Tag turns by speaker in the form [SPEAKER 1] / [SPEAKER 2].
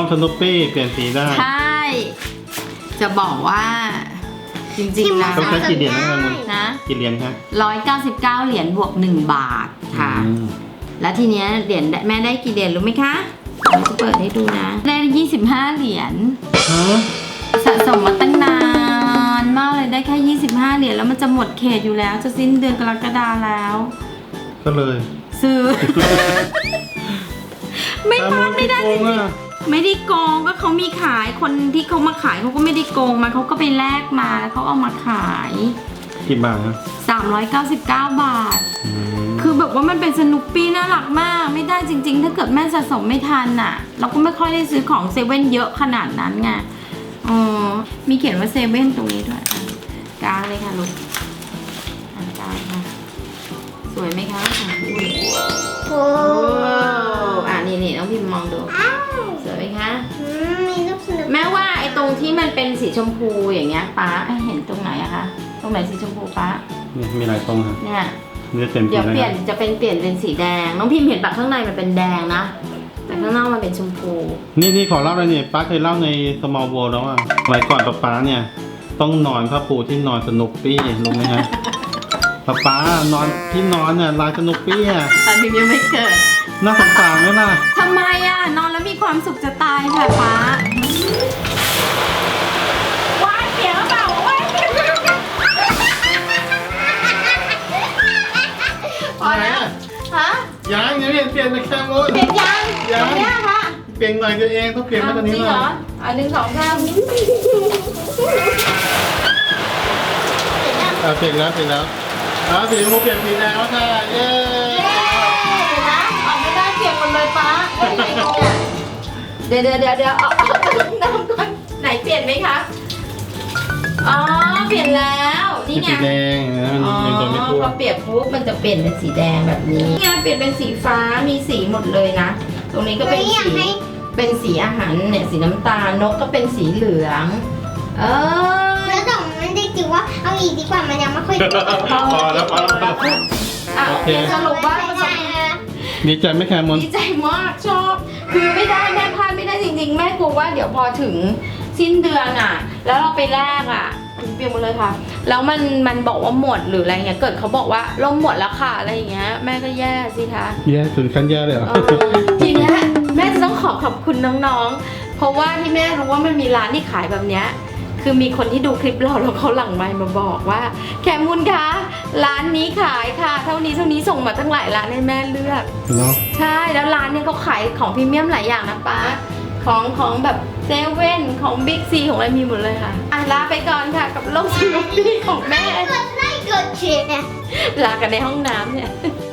[SPEAKER 1] สนุปปี้เปลี่ยนสีได้
[SPEAKER 2] ใช่จะบอกว่าจริงๆแล้ว
[SPEAKER 1] ต้องใช้กี่เหรียญนะ กี่เหรียญคะ
[SPEAKER 2] 199 เหรียญบวก1 บาทค่ะแล้วทีเนี้ยเหรียญแม่ได้กี่เหรียญรู้ไหมคะเราจะเปิดให้ดูนะได้25 เหรียญสะสมมาตั้งนานมากเลยได้แค่25 เหรียญแล้วมันจะหมดเขตอยู่แล้วจะสิ้นเดือนกรกฎาแล้ว
[SPEAKER 1] ก็เลย
[SPEAKER 2] ซื้อ ไม่พลาดไม่ได้จริงๆไม่ได้โกงก็เขามีขายคนที่เขามาขายเขาก็ไม่ได้โกงมาเขาก็ไปแลกมาแล้วเขาเอามาขาย
[SPEAKER 1] กี่บาทครับ
[SPEAKER 2] 399 บาทคือแบบว่ามันเป็นสนุปปี้น่ารักมากไม่ได้จริงๆถ้าเกิดแม่สะสมไม่ทันน่ะเราก็ไม่ค่อยได้ซื้อของเซเว่นเยอะขนาดนั้นไงมีเขียนว่าเซเว่นตรงนี้ด้วยกลางเลยค่ะลูกกลางค่ะสวยไหมคะโอ้นี่น้องพิมพ์มองดูสวยไหมคะ
[SPEAKER 3] มีลูกสนุก
[SPEAKER 2] แม่ว่าไอ้ตรงที่มันเป็นสีชมพูอย่างเงี้ยป้าเห็นตรงไหนอะคะตรงไหนสีชมพูป้า
[SPEAKER 1] เนี่ยมีหลายตรงค่ะ
[SPEAKER 2] เนี่ย
[SPEAKER 1] เดี๋
[SPEAKER 2] ยวเปลี่ยนจะเป็นสีแดงน้องพิมพ์เห็นแบบข้างในมันเป็นแดงนะแต่ข้างนอกมันเป็นชมพู
[SPEAKER 1] นี่ขอเล่าเลยเนี่ยป้าเคยเล่าใน Small World แล้วว่าสมัยก่อนป้าเนี่ยต้องนอนผ้าปูที่นอนสนุปปี้รู้ไหมฮะป้านอนที่นอนเนี่ยลายสนุปปี้อ่ะ
[SPEAKER 2] ตอนพิมพ์ยังไม่เกิด
[SPEAKER 1] น่าสงสารไหมล่ะ
[SPEAKER 2] ทำไมอ่ะนอนแล้วมีความสุขจะตายค่ะป้าว้ายเสียงเปล่าว้ายพอแล้วฮะ
[SPEAKER 1] ยังเปลี่ยนไปแค่หมด
[SPEAKER 2] เปลี่ยนยังเนี่ยค่ะ
[SPEAKER 1] เปลี่ยนหน่อยตัวเองต้องเปลี่ยนมาตอนนี้เลย
[SPEAKER 2] 1 2 3
[SPEAKER 1] เปลี่ยนแล้วสีชมพูเปลี่ยนสีแดงแล้วค่ะเย้
[SPEAKER 2] นะเอาไม่ได้เปลี่ยนหมดเลยป้าเดี๋ยวเอาน้ำก่อนไหนเปลี่ยนไหมคะอ๋อเปลี่ยนแล้วนี่ไง
[SPEAKER 1] สีแดงมันตัวไม่ทั่ว
[SPEAKER 2] พอเปลี่ยนปุ๊บมันจะเปลี่ยนเป็นสีแดงแบบนี้นี่ไงเปลี่ยนเป็นสีฟ้ามีสีหมดเลยนะตรงนี้ก็เป็นสีอาหารเนี่ยสีน้ำตาลนกก็เป็นสีเหลือง
[SPEAKER 3] แล้วแต่มันได้จิ๋วว่าเอาอีกดีกว่ามันยังไม่ค่อย
[SPEAKER 1] พอแล้ว
[SPEAKER 2] โอเคสรุปว่า
[SPEAKER 1] ดีใจไหมแคมอน
[SPEAKER 2] ดีใจมากชอบคือไม่ได้แม่พลาดไม่ได้จริงๆแม่กลัวว่าเดี๋ยวพอถึงสิ้นเดือนอ่ะแล้วเราไปแลกอ่ะเปลี่ยนหมดเลยค่ะแล้วมันบอกว่าหมดหรืออะไรเงี้ยเกิดเขาบอกว่าล่มหมดแล้วค่ะอะไรอย่างเงี้ยแม่ก็แย่สิคะ
[SPEAKER 1] แย่ถึงขั้นแย่เลยเหรอ
[SPEAKER 2] ทีเนี้ยแม่จะต้องขอบคุณน้องๆเพราะว่าที่แม่รู้ว่ามันมีร้านที่ขายแบบเนี้ยคือมีคนที่ดูคลิปเราแล้วเขาหลังไมค์มาบอกว่าแคมุนคะร้านนี้ขายค่ะเท่านี้ส่งมาตั้งหลายร้านให้แม่เลือกใช่แล้วร้านนี้เขาขายของพรีเมียมหลายอย่างนะป้าของแบบเซเว่นของบิ๊กซีของอะไรมีหมดเลยค่ะลาไปก่อนค่ะกับโลกสนุปปี้ของแม่
[SPEAKER 3] กดไลค์กดแชร์
[SPEAKER 2] ลากันในห้องน้ำเนี่ย